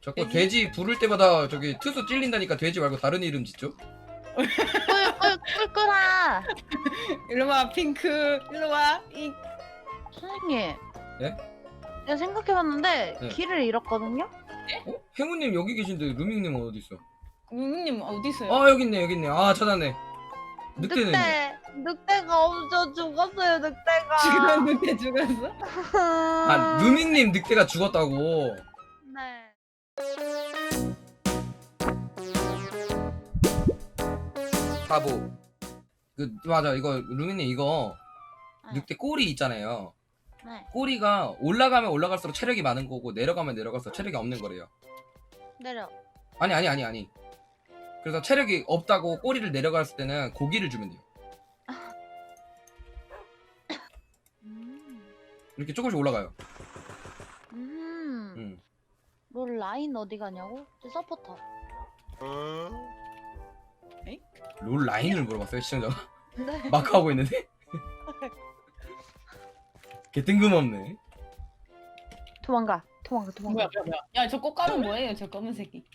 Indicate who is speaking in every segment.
Speaker 1: 자꾸 돼지 부를 때마다 저기 투수 찔린다니까 돼지 말고 다른 이름 짓죠?
Speaker 2: 꿀꿀아.
Speaker 3: 일로와 핑크 일로와 이
Speaker 2: 선생님.
Speaker 1: 예?
Speaker 2: 내가 생각해봤는데
Speaker 1: 네.
Speaker 2: 길을 잃었거든요.
Speaker 1: 어? 행우님 여기 계신데 루밍님 어디 있어?
Speaker 3: 루미님 어디 있어요?
Speaker 1: 아 여기 있네. 아 찾았네. 늑대네.
Speaker 2: 늑대가 없어 죽었어요. 늑대가.
Speaker 3: 죽었는데 죽었어?
Speaker 1: 아 루밍님 늑대가 죽었다고.
Speaker 2: 네.
Speaker 1: 바보. 그 맞아 이거 루밍님 이거
Speaker 2: 네.
Speaker 1: 늑대 꼬리 있잖아요.
Speaker 2: 네.
Speaker 1: 꼬리가 올라가면 올라갈수록 체력이 많은 거고 내려가면 내려갈수록 체력이 없는 거래요.
Speaker 2: 내려.
Speaker 1: 아니. 그래서 체력이 없다고 꼬리를 내려갔을 때는 고기를 주면 돼요. 이렇게 조금씩 올라가요.
Speaker 2: 너 라인 어디 가냐고? 저 서포터.
Speaker 1: 롤 라인을 물어봤어요 시청자가.
Speaker 2: 네.
Speaker 1: 마크 하고 있는데? 개 뜬금없네.
Speaker 2: 도망가.
Speaker 3: 뭐야? 야저 꽃가루 뭐예요? 저 검은색이.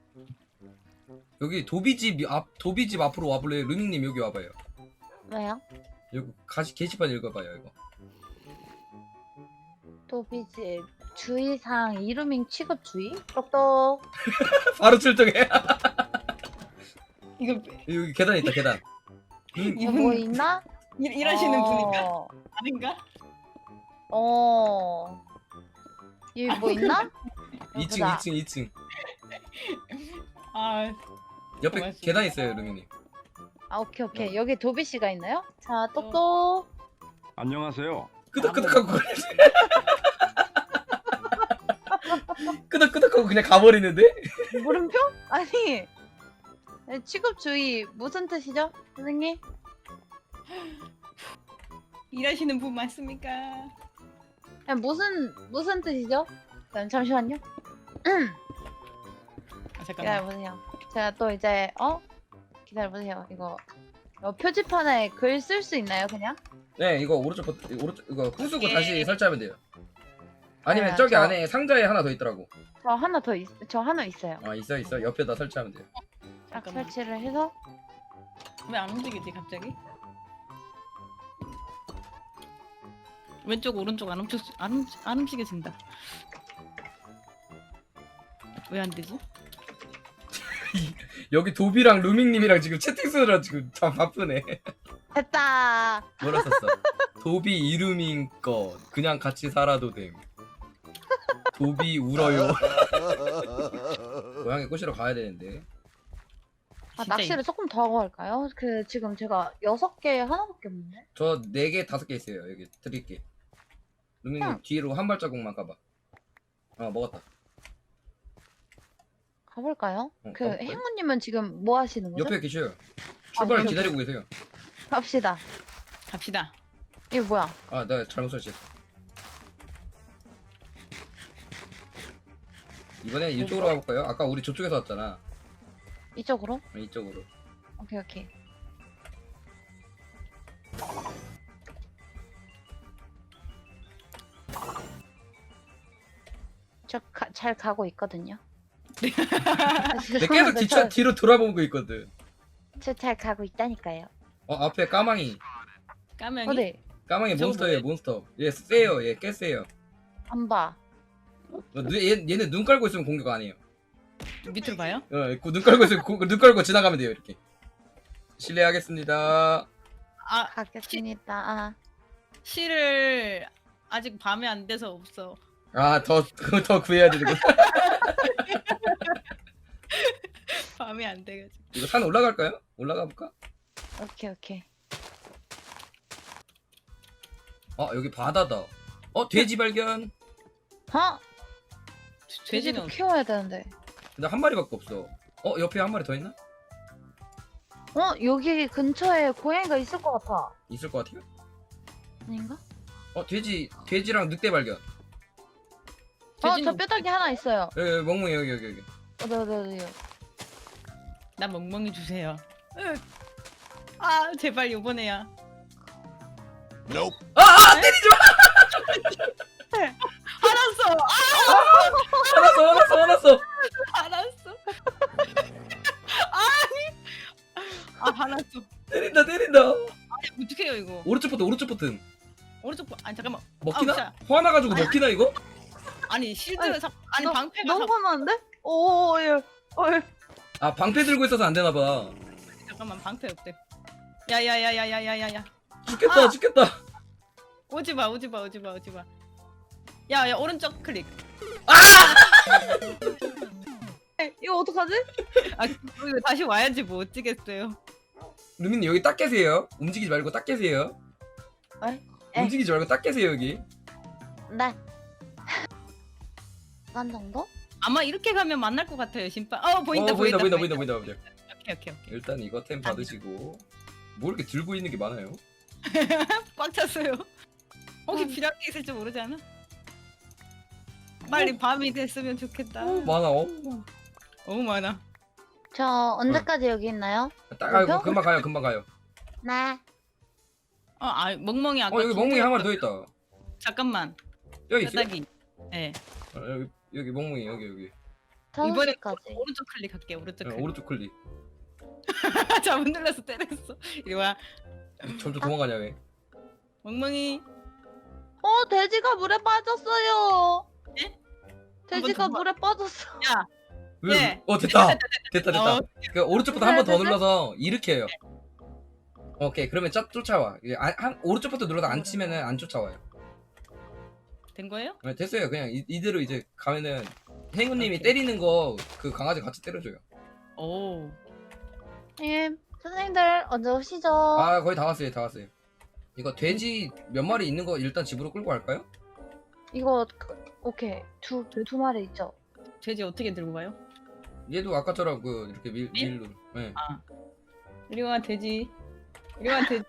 Speaker 1: 여기 도비집 앞으로 와볼래요? 루밍님 여기 와봐요.
Speaker 2: 왜요?
Speaker 1: 여기 게시판 읽어봐요 이거.
Speaker 2: 도비집 주의사항 이루밍 취급 주의? 똑똑.
Speaker 1: 바로 출동해.
Speaker 3: 이거
Speaker 1: 여기 계단 있다 계단.
Speaker 2: 뭐 있나?
Speaker 3: 일하시는 분인가? 아닌가?
Speaker 2: 여기 뭐 있나?
Speaker 1: 2층.
Speaker 3: 아
Speaker 1: 옆에
Speaker 3: 고맙습니다.
Speaker 1: 계단 있어요 루밍님.
Speaker 2: 아 오케이. 여기 도비 씨가 있나요? 자 똑똑.
Speaker 4: 안녕하세요.
Speaker 1: 끄덕끄덕하고 끄덕끄덕하고 그냥 가버리는데?
Speaker 2: 물음표? 아니 네, 취급 주의 무슨 뜻이죠, 선생님?
Speaker 3: 일하시는 분 맞습니까?
Speaker 2: 아니, 무슨 뜻이죠? 잠시만요.
Speaker 3: 아, 잠깐만.
Speaker 2: 기다려보세요. 제가 또 이제 기다려보세요. 이거 표지판에 글 쓸 수 있나요, 그냥?
Speaker 1: 네 이거 오른쪽 이거 부수고 다시 설치하면 돼요. 아니면
Speaker 2: 네,
Speaker 1: 저기
Speaker 2: 저-
Speaker 1: 안에 상자에 하나 더 있더라고.
Speaker 2: 저 하나 있어요.
Speaker 1: 아 있어 옆에다 설치하면 돼요.
Speaker 2: 딱
Speaker 3: 잠깐만.
Speaker 2: 설치를 해서
Speaker 3: 왜 안 움직이지 갑자기? 왼쪽 오른쪽 안 움직여진다. 왜 안 되지?
Speaker 1: 여기 도비랑 루밍님이랑 지금 채팅 쓰느라 지금 참 바쁘네.
Speaker 2: 됐다.
Speaker 1: 뭐라 썼어? 도비 이루밍 것 그냥 같이 살아도 됨. 도비 울어요. 고양이 꼬시러 가야 되는데.
Speaker 3: 진짜
Speaker 2: 낚시를 조금 더 하고 할까요? 지금 제가 6개 하나밖에 없는데.
Speaker 1: 저 4개 5개 있어요. 여기 드릴게. 루밍님
Speaker 2: 응.
Speaker 1: 뒤로 한 발자국만 가봐. 먹었다.
Speaker 2: 가볼까요?
Speaker 1: 가볼까요?
Speaker 2: 행운님은 지금 뭐 하시는 거죠?
Speaker 1: 옆에 계셔요. 출발
Speaker 2: 네.
Speaker 1: 기다리고 계세요.
Speaker 2: 갑시다.
Speaker 3: 갑시다.
Speaker 2: 이게 뭐야?
Speaker 1: 아, 나 잘못 설치했어. 이번엔 이쪽으로 가볼까요? 아까 우리 저쪽에서 왔잖아.
Speaker 2: 이쪽으로?
Speaker 1: 이쪽으로.
Speaker 2: 오케이. 저 잘 가고 있거든요.
Speaker 1: 근데 계속 뒤로 돌아보고 있거든.
Speaker 2: 저잘 가고 있다니까요.
Speaker 1: 앞에 까망이.
Speaker 3: 까명이?
Speaker 2: 어디?
Speaker 1: 까망이
Speaker 3: 저거
Speaker 1: 몬스터예요, 몬스터. 얘 세요, 얘 꽤 세요.
Speaker 2: 안 봐.
Speaker 1: 얘는 눈 깔고 있으면 공격 안 해요.
Speaker 3: 밑으로 봐요?
Speaker 1: 눈 깔고 있으면 눈 깔고 지나가면 돼요, 이렇게. 실례하겠습니다.
Speaker 3: 아
Speaker 2: 가겠습니다.
Speaker 3: 실을 아직 밤에 안 돼서 없어.
Speaker 1: 더 구해야 되는 거.
Speaker 3: 밤에 안 돼가지고.
Speaker 1: 이거 산 올라갈까요? 올라가 볼까?
Speaker 2: 오케이.
Speaker 1: 여기 바다다. 돼지 발견.
Speaker 2: 돼지도
Speaker 3: 돼지는
Speaker 2: 키워야 되는데.
Speaker 1: 근데 한 마리밖에 없어. 옆에 한 마리 더 있나?
Speaker 2: 여기 근처에 고양이가 있을 것 같아.
Speaker 1: 있을 것 같아요.
Speaker 2: 아닌가?
Speaker 1: 돼지랑 늑대 발견.
Speaker 2: 저
Speaker 3: 돼지는
Speaker 2: 뼈다귀 하나 있어요.
Speaker 1: 여기 멍멍이 여기.
Speaker 2: 어디.
Speaker 3: 나 멍멍이 주세요. 아 제발 요번에야.
Speaker 1: 때리지 마!
Speaker 3: 알았어.
Speaker 1: 화났어.
Speaker 3: 잘랐어.
Speaker 1: 때린다 때린다.
Speaker 3: 어떻게 해요 이거?
Speaker 1: 오른쪽 버튼.
Speaker 3: 오른쪽 아니 잠깐만.
Speaker 1: 먹히나?
Speaker 3: 자.
Speaker 1: 화나가지고 먹히나 이거?
Speaker 3: 아니 실드
Speaker 2: 아니,
Speaker 3: 아니 방패가
Speaker 2: 너무 화나는데? 오, 예.
Speaker 1: 아 방패 들고 있어서 안 되나봐.
Speaker 3: 잠깐만 방패 없대. 야야야야야야야야.
Speaker 1: 죽겠다
Speaker 3: 아!
Speaker 1: 죽겠다.
Speaker 3: 오지마. 야 오른쪽 클릭.
Speaker 2: 이거 어떡하지?
Speaker 3: 아 이거 다시 와야지 뭐 어찌겠어요.
Speaker 1: 루미님 여기 딱 계세요. 움직이지 말고 딱 계세요.
Speaker 2: 에?
Speaker 1: 움직이지 말고 딱 계세요 여기.
Speaker 2: 네. 간 정도?
Speaker 3: 아마 이렇게 가면 만날 것 같아요 심판. 보인다.
Speaker 1: 보인다.
Speaker 3: 오케이.
Speaker 1: 일단 이거 템 받으시고. 뭐 이렇게 들고 있는 게 많아요?
Speaker 3: 꽉 찼어요. 혹시 필요한 게 있을지 모르지 않아? 빨리 밤이 됐으면 좋겠다.
Speaker 1: 많아.
Speaker 3: 너무 많아.
Speaker 2: 저 언제까지 여기 있나요?
Speaker 1: 딱 알고 금방 가요.
Speaker 2: 네.
Speaker 3: 멍멍이 아까
Speaker 1: 여기 멍멍이 한 마리 더 있다.
Speaker 3: 잠깐만.
Speaker 1: 여기 있어요?
Speaker 3: 뼈다귀. 네.
Speaker 1: 여기 멍멍이 여기.
Speaker 3: 이번에
Speaker 2: 5시까지.
Speaker 3: 오른쪽 클릭할게. 오른쪽 클릭.
Speaker 1: 오른쪽 클릭.
Speaker 3: 잘못 눌러서 때렸어. 이리 와.
Speaker 1: 점점 도망가냐 왜?
Speaker 3: 멍멍이.
Speaker 2: 돼지가 물에 빠졌어요.
Speaker 3: 예?
Speaker 2: 돼지가
Speaker 3: 한번 더
Speaker 2: 물에 빠졌어.
Speaker 3: 야.
Speaker 1: 왜?
Speaker 3: 예.
Speaker 1: 됐다.
Speaker 3: 어.
Speaker 1: 그러니까 오른쪽부터 한 번 더
Speaker 2: 됐어요?
Speaker 1: 눌러서 이렇게 해요. 오케이 그러면 쫓아와. 이게 오른쪽부터 눌러서 안 치면은 안 쫓아와요.
Speaker 3: 된 거예요?
Speaker 1: 네, 됐어요. 그냥 이대로 이제 가면은 행우님이
Speaker 3: 오케이.
Speaker 1: 때리는 거 그 강아지 같이 때려줘요.
Speaker 3: 오.
Speaker 2: 예. 선생님들 언제 오시죠?
Speaker 1: 아 거의 다 왔어요. 이거 돼지 몇 마리 있는 거 일단 집으로 끌고 갈까요?
Speaker 2: 이거 오케이. 두 마리 있죠?
Speaker 3: 돼지 어떻게 들고 가요?
Speaker 1: 얘도 아까처럼 그 이렇게
Speaker 3: 밀?
Speaker 1: 밀로. 네.
Speaker 3: 이리 와 돼지. 이리 와 돼지.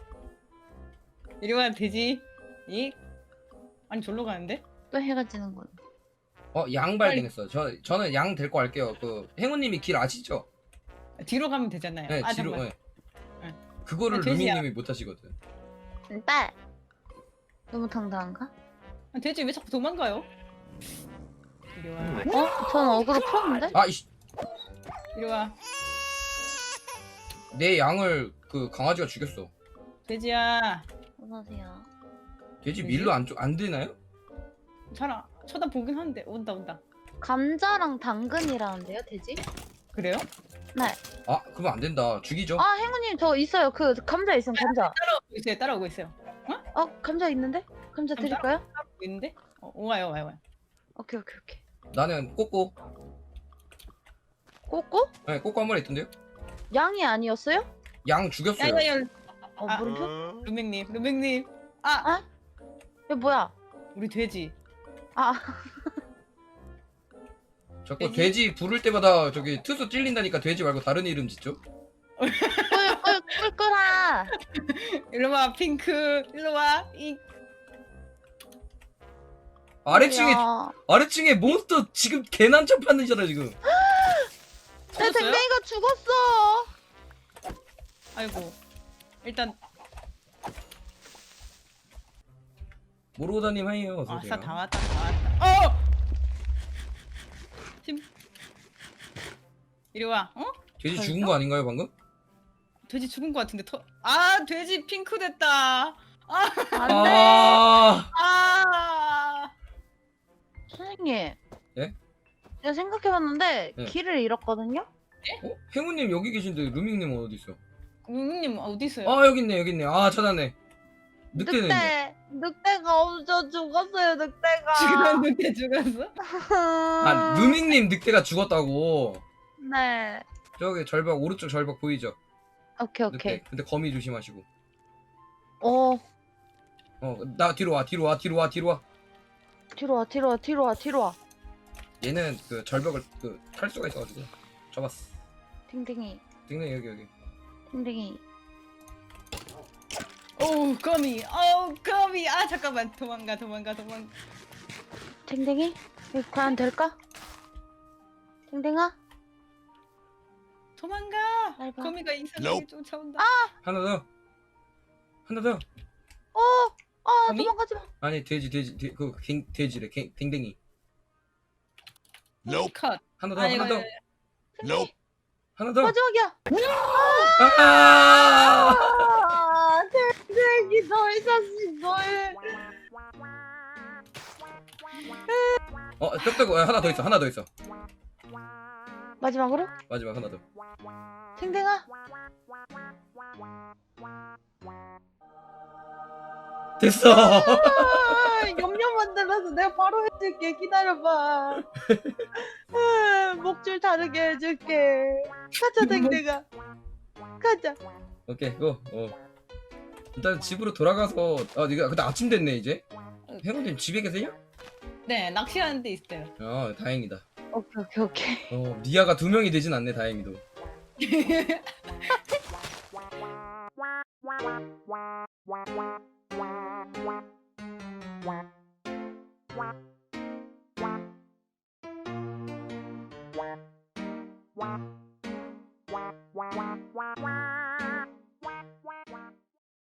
Speaker 3: 이리 와 돼지. 이. 아니 절로 가는데?
Speaker 2: 또 해가 지는군.
Speaker 1: 양 발견했어요. 저는 양 데리고 갈게요. 그 행우님이 길 아시죠?
Speaker 3: 뒤로 가면 되잖아요.
Speaker 1: 네, 뒤로.
Speaker 3: 잠깐만.
Speaker 1: 네. 그거를
Speaker 3: 돼지야.
Speaker 1: 루미님이 못 하시거든.
Speaker 2: 딸. 너무 당당한가?
Speaker 3: 돼지 왜 자꾸 도망가요? 이리 와.
Speaker 2: 전 어그로 풀었는데?
Speaker 1: 아이씨,
Speaker 3: 이리 와.
Speaker 1: 내 양을 그 강아지가 죽였어.
Speaker 3: 돼지야.
Speaker 2: 어서오세요.
Speaker 1: 돼지
Speaker 3: 돼지?
Speaker 1: 밀로 안 되나요?
Speaker 3: 잘 쳐다보긴 하는데 온다.
Speaker 2: 감자랑 당근이라는데요, 돼지?
Speaker 3: 그래요?
Speaker 2: 네.
Speaker 1: 그러면 안 된다. 죽이죠.
Speaker 2: 행우님 저 있어요. 그 감자 있어요, 감자.
Speaker 3: 따라오고 있어요.
Speaker 2: 감자 있는데? 감자
Speaker 3: 감자?
Speaker 2: 드릴까요?
Speaker 3: 따라오고 있는데? 와요.
Speaker 2: 오케이.
Speaker 1: 나는 꼬꼬.
Speaker 2: 꼬꼬?
Speaker 1: 네, 꼬꼬 한 마리 있던데요?
Speaker 2: 양이 아니었어요?
Speaker 1: 양 죽였어요.
Speaker 3: 야야야.
Speaker 2: 물음표?
Speaker 3: 루맹님.
Speaker 2: 이거 뭐야?
Speaker 3: 우리 돼지.
Speaker 1: 자꾸 돼지 부를 때마다 저기 투수 찔린다니까 돼지 말고 다른 이름 짓죠?
Speaker 2: 꿀꿀아.
Speaker 3: 일로 와 핑크. 일로 와.
Speaker 1: 아래층에 몬스터 지금 개난첩 하는잖아 지금.
Speaker 2: 내
Speaker 3: 터졌어요?
Speaker 2: 댕댕이가 죽었어.
Speaker 3: 아이고. 일단
Speaker 1: 모로다님 하이요. 어서 오세요.
Speaker 3: 아싸 다 왔다. 이리 와.
Speaker 1: 돼지 죽은 거 아닌가요 방금?
Speaker 3: 돼지 죽은 것 같은데 돼지 핑크 됐다.
Speaker 2: 안돼. 선생님.
Speaker 1: 예?
Speaker 2: 제가 생각해봤는데
Speaker 1: 예.
Speaker 2: 길을 잃었거든요.
Speaker 1: 행우님 여기 계신데 루밍님 어디 있어?
Speaker 3: 루밍님 어디 있어요?
Speaker 1: 여기 있네. 찾았네. 늑대네.
Speaker 2: 늑대가 없어 죽었어요. 늑대가.
Speaker 3: 늑대 죽었어?
Speaker 1: 루밍님 늑대가 죽었다고.
Speaker 2: 네.
Speaker 1: 저기 절벽 오른쪽 절벽 보이죠?
Speaker 2: 오케이.
Speaker 1: 늑대. 근데 거미 조심하시고.
Speaker 2: 나
Speaker 1: 뒤로 와.
Speaker 2: 뒤로 와.
Speaker 1: 얘는 그 절벽을 탈 수가 있어가지고 잡았어.
Speaker 2: 댕댕이.
Speaker 1: 여기.
Speaker 2: 댕댕이.
Speaker 3: 거미. 잠깐만. 도망가.
Speaker 2: 댕댕이? 이거 과연 될까? 댕댕아?
Speaker 3: 도망가.
Speaker 2: 날 봐.
Speaker 3: 거미가 이상하게 쫓아온다.
Speaker 1: 하나 더.
Speaker 3: 거미?
Speaker 2: 도망가지 마.
Speaker 1: 아니 돼지 돼지래. 댕댕이.
Speaker 3: 컷.
Speaker 1: 하나 더.
Speaker 3: 아이고,
Speaker 1: 하나 더. 하나 더.
Speaker 2: 마지막이야.
Speaker 1: 아!
Speaker 2: 아, 댕댕이 널 샀지 널.
Speaker 1: 쩍쩍 하나 더 있어. 하나 더 있어.
Speaker 2: 마지막으로
Speaker 1: 마지막 하나 더.
Speaker 2: 댕댕아.
Speaker 1: 됐어.
Speaker 2: 염려 만들어서 내가 바로 해줄게. 기다려봐. 목줄 다르게 해줄게. 가자 댕댕아. 가자.
Speaker 1: 오케이 고. 일단 집으로 돌아가서 이거 근데 아침 됐네 이제. 행운님 집에 계세요?
Speaker 3: 네, 낚시하는 데 있어요.
Speaker 1: 다행이다.
Speaker 2: 오케이.
Speaker 1: 미아가 2명이 되진 않네 다행히도.
Speaker 4: Wow.